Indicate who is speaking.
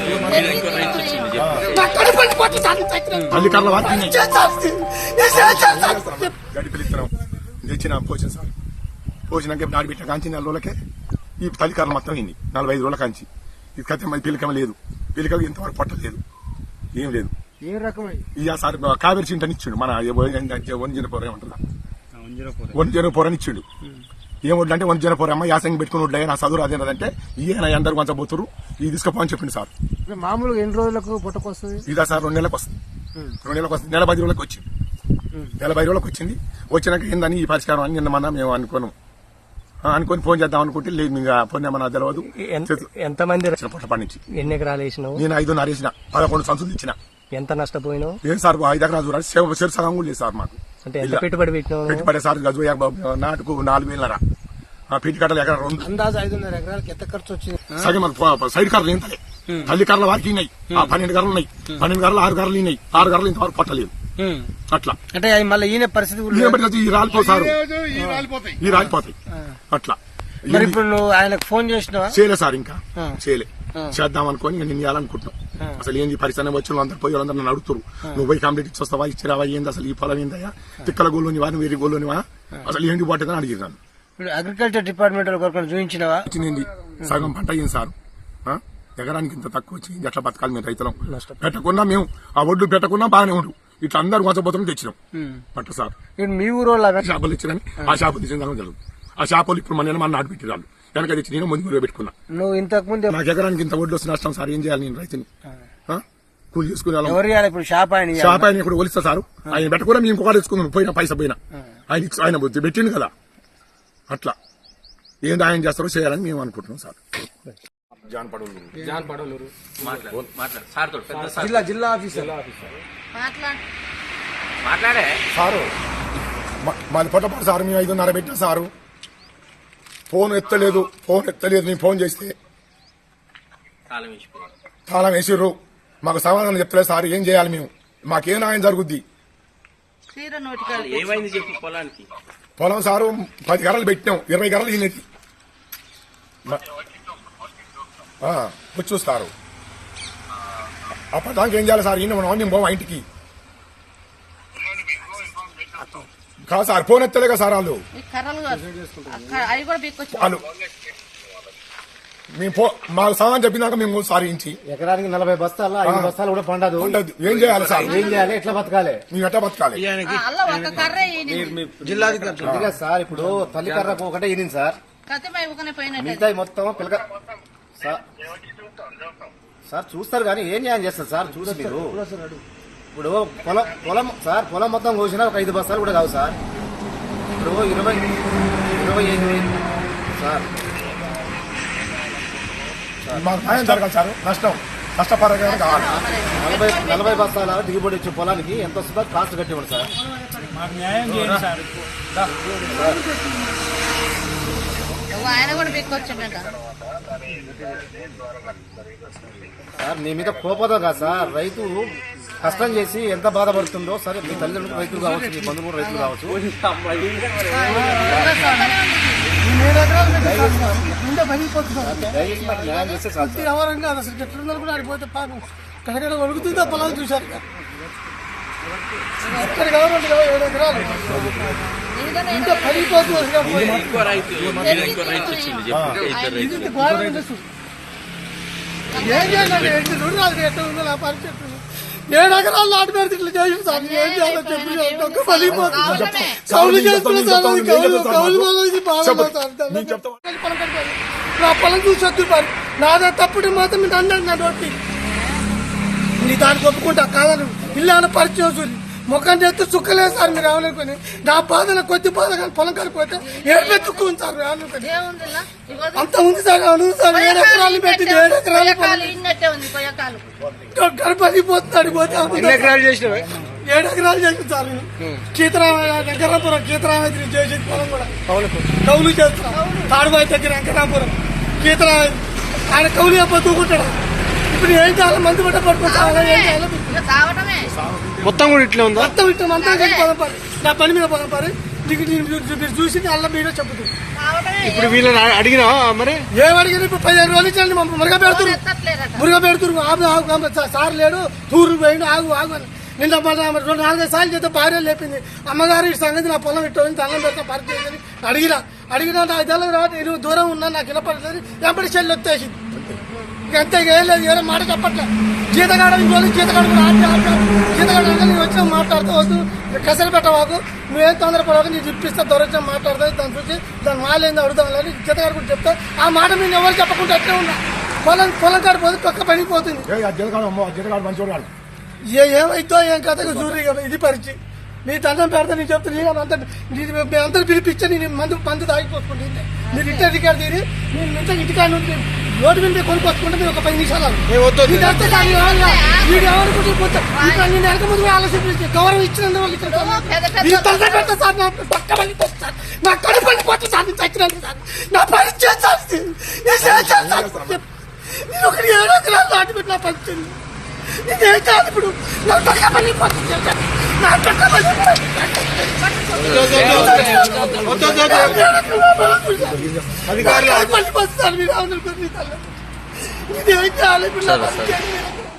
Speaker 1: తల్లికర్ల గడిపిలిత్తనం తెచ్చిన పోసిన సార్ పోసినాక నాడు పెట్టిన కాంచి 4 రోజులకే ఈ తల్లికర్ల మొత్తం అయింది 45 రోజుల కాంచి ఇది కథ పిలికమ లేదు పిలికలు ఇంతవరకు పట్టలేదు ఏం లేదు ఇక సార్ కావేరి చింటని ఇచ్చిండు మన వంజనపోర ఏమంటుందా వంజనపోర అని ఇచ్చిండు ఏమొడ్లంటే వంజనపోర అమ్మ యాసంగి పెట్టుకుని వడ్లే నా చదువు అదేనదంటే ఈయన అందరు కొంచెం పోతురు ఇది తీసుకోపోని చెప్పింది సార్.
Speaker 2: మామూలుగా ఎన్ని రోజులకు పుట్టకొస్తుంది?
Speaker 1: ఇదా సార్ 2 నెలలకు వస్తుంది. 2 నెలలకు వస్తుంది. నెల 10 రోజులకు వచ్చింది. నెల 10 రోజులకు వచ్చింది. వచ్చినాక ఏందని ఈ పరిష్కారం అని నిన్న మేము అనుకొని ఫోన్ చేద్దాం అనుకుంటే లేదు ఇంకా ఫోన్ ఏమన్నా తెలియదు.
Speaker 3: ఎంతమంది
Speaker 1: పుట్టపడి నుంచి
Speaker 3: ఎన్ని ఎకరాలు వేసినావు?
Speaker 1: నేను 5.5 వేసిన 11 సంచులు ఇచ్చిన.
Speaker 3: ఎంత నష్టపోయినావు?
Speaker 1: ఏం సార్ 5 ఎకరాలు చూడాలి సగం కూడా లేదు సార్ మాకు.
Speaker 3: అంటే ఎంత పెట్టుబడి పెట్టినావు?
Speaker 1: పెట్టుబడి సార్ గజు నాటుకు 4,000 పీటి కట్టలు ఎకరా 2
Speaker 2: అందాజు 5.5 ఎకరాలకు ఎంత ఖర్చు వచ్చింది?
Speaker 1: సగం సైడ్ కర్రలు ఏంటలే తల్లి కర్రల వారికి ఉన్నాయి. 12 కర్రలు ఉన్నాయి. 12 కర్రలు 6 కర్రలు ఉన్నాయి. 6 కర్రలు ఇంతవరకు పట్టలేదు. అట్లా
Speaker 2: అంటే మళ్ళీ ఈయన పరిస్థితి
Speaker 1: ఈ రాలిపోతారు ఈ రాలిపోతాయి అట్లా.
Speaker 2: మరి ఇప్పుడు నువ్వు ఆయనకు ఫోన్ చేసినావా?
Speaker 1: చేయలే సార్ ఇంకా చేయలే. చేద్దాం అనుకోని నేను ఇవ్వాలనుకుంటున్నాం. అసలు ఏంది పరిశ్రమ వచ్చిన అందరు పోయి వాళ్ళందరూ నన్ను అడుగుతారు నువ్వు పోయి కంప్లీట్ ఇచ్చొస్తావా ఇచ్చిరావా ఏంది అసలు ఈ పొలం ఏందయ్యా తిక్కల గోల్లోనివా నువ్వు వేరే గోల్లోనివా అసలు ఏంటి పోతుందని అడిగినాను.
Speaker 2: Agriculture department చూపించినవా?
Speaker 1: వచ్చింది సగం పంట అయ్యింది సార్. ఎకరానికి ఇంత తక్కువ వచ్చింది ఎట్లా బతకాలి మేము రైతులం పెట్టకున్నా మేము ఆ ఒడ్లు పెట్టకున్నా బాగానే ఉండు ఇట్లా అందరు కొంచెం తెచ్చినాం పట్ట సార్.
Speaker 2: మీ ఊరు
Speaker 1: షాపులు ఇచ్చినని ఆ షాపు తెచ్చిన జరుగుతుంది. ఆ షాపులు ఇప్పుడు మన నాటు పెట్టిరాళ్ళు వెనక తెచ్చి నేను ముందు పెట్టుకున్నా.
Speaker 2: నువ్వు ఇంతకు ముందు
Speaker 1: నాకు ఎకరానికి ఇంత ఒడ్లు వస్తే నష్టం సార్ ఏం చేయాలి నేను రైతుని కూలి చేసుకునే
Speaker 2: ఇప్పుడు షాప్
Speaker 1: ఆయన ఇప్పుడు ఒలిస్తా సార్ ఆయన పెట్టకుండా మేము ఇంకొకటి తెచ్చుకున్నాం పోయినా పైసా పోయినా ఆయన పెట్టిండు కదా అట్లా ఏంది ఆయన చేస్తారో చేయాలని మేము అనుకుంటున్నాం సార్.
Speaker 2: జిల్లా ఆఫీసర్
Speaker 1: సారు మాది పొట్టపాటు సార్ మేము 5:30 పెట్టినా సారు ఫోన్ ఎత్తలేదు నేను ఫోన్ చేస్తే తాళం వేసిర్రు మాకు సమాధానం చెప్తలేదు సార్ ఏం చేయాలి మేము మాకేం న్యాయం జరుగుద్ది? పొలం సారు 10 గర్రలు పెట్టినాం 20 గర్రలు ఈయనది వచ్చి చూస్తారు. అప్పటిదాకా ఏం చేయాలి సార్ ఈయన మనం పోవా ఇంటికి కాదు సార్ ఫోన్ ఎత్తలేక సార్ వాళ్ళు మాకు సామాన్ చెప్పినాక మేము సారించి
Speaker 2: ఎకరానికి 40 బస్తాలు 5 బస్తాలు కూడా పండదు.
Speaker 1: ఏం చేయాలి సార్?
Speaker 2: ఏం చేయాలి? ఎట్లా బతకాలి?
Speaker 1: మేము ఎట్లా బతకాలి?
Speaker 2: జిల్లా సార్ ఇప్పుడు తల్లి కర్రకు ఒకటే ఈనింది సార్ మిగతా మొత్తం పిల్లక సార్ చూస్తారు కానీ ఏం న్యాయం చేస్తారు సార్? చూసి మీరు ఇప్పుడు పొలం మొత్తం కోసినా ఒక 5 బస్తాలు కూడా కావు సార్. ఇప్పుడు 25,000 సార్
Speaker 1: మాకు న్యాయం జరగాలి సార్. నష్టపరంగా కావాలి.
Speaker 2: 40 బస్తాల దిగుబడి వచ్చే పొలానికి ఎంత వస్తుందో కాస్ట్ కట్టివ్వండి సార్. సార్ మీ మీద కోపదా కాదు సార్. రైతు కష్టం చేసి ఎంత బాధపడుతుందో సరే మీ తల్లిదండ్రులు రైతులు కావచ్చు మీ బంధువులు కూడా రైతులు కావచ్చు. న్యాయం చేస్తే
Speaker 4: కడగడ వణుకుతుందా పొలాలు చూశారు. ఎక్కడ కావాలంటే 7 ఎకరాలు ఇంకా పడిపోతుంది. ఏం చేయాలండి? 8 రోజులు రాదు ఎట్లా ఉందో నా పరిస్థితి. 7 ఎకరాలు నాటు పెడితే ఇట్లా చేసి సార్ ఏం చేయాలో చెప్పి పడిపోతుంది. కౌలు చేస్తున్నా సార్ కౌలు నా పొలం చూసి వద్దు మరి నాదే తప్పుడు మాత్రం మీరు అన్నాడు నా నోటి నీ దానికి ఒప్పుకుంటా కాదని ఇల్లు ఏమైనా పరిచయం చూసి ముఖం చేస్తే చుక్కలేదు సార్ మీరు ఏమనుకుని నా బాధన కొద్ది బాధ కానీ పొలం కడిపోతే ఏడుపెత్తుకుంది సార్ అనుకుని అంత ఉంది సార్ అవును సార్ 7 ఎకరాలు పెట్టి 7 ఎకరాలు గడపడిపోతున్నాడు పోతే 7 ఎకరాలు చేసింది సార్. వెంకటాపురం కీతరామైతే చేసేది పొలం కూడా కౌలు చేస్తాం. తాడుబాయి దగ్గర వెంకటాపురం కీతరామై ఆయన కౌలు చెప్పూకుంటాడు. ఇప్పుడు ఏం చేయాలి? మందు పట్ట పట్టుకుంటా ఏం చేయాలి?
Speaker 2: మొత్తం కూడా ఇట్లా ఉందా?
Speaker 4: మొత్తం ఇట్లా అంతా పొలం పని నా పని మీద పొలం పని మీరు చూసి అల్ల మీరే చెప్పుతుంది.
Speaker 5: ఇప్పుడు వీళ్ళని అడిగినా మరి
Speaker 4: ఏమడిగిన ఇప్పుడు 15 రోజులు ఇచ్చాను మురుగా పెడుతురు సార్ లేడు టూరు పోయిండు ఆగు అని నిన్న 4-5 సార్లు చేస్తే భార్య లేపింది అమ్మగారు ఈ సంగతి నా పొలం ఇట్టు అన్నం పెడతా పరిచయం అడిగినా నాకు తెలియదు రావద్దు నేను దూరం ఉన్నా నాకు వినపడుతుంది ఎంపటి చెల్లి వచ్చేసింది ఇంకంతే ఏం లేదు ఏదో మాట చెప్పట్లే జీతగాడ ఇంకోళ్ళు జీతగాడు నేను వచ్చిన మాట్లాడుతూ వద్దు కసలు పెట్టవాకు నువ్వేం తొందరపడవాకు నీకు ఇప్పిస్తా దొరకడం మాట్లాడతా దాని చూసి దాని మాలేందో అడుగుతాం లేదు జీతగాడు కూడా చెప్తా ఆ మాట మీరు ఎవరు చెప్పకుండా ఎట్లా ఉన్నా పొలం కాడ పోతే పక్క పడిపోతుంది ఏమైతో ఏం కథకు చూడరు కదా ఇది పరిచయం నీ దండం పెడతా నేను చెప్తా నేను అంతా పిలిపించా నేను మందు తాగిపోసుకుంటే మీరు ఇంటర్ రికార్డు తీరి నేను ఇంటికాడ నుండి రోడ్డు మీద కొనుక్కొచ్చుకుంటే మీరు ఒక 10 నిమిషాలు నేను వెనక ముందు ఆలోచించి గౌరవం ఇచ్చినందు పెడతా సార్ నా పక్క పడిపోతుంది సార్ నా కడు పడిపోతుంది సార్ నేను చచ్చినందుకు సార్ నా పరిచయం సార్ నేను ఒకటి 7 ఎకరాలు దాటిపెట్టి నా పరిచయం నేనేం కాదు ఇప్పుడు నా పక్క పడిపోతుంది నా పక్క
Speaker 5: అధికారులు
Speaker 4: పడిపోతుంది సార్ మీరు అవును ఇదేం కాదు ఇప్పుడు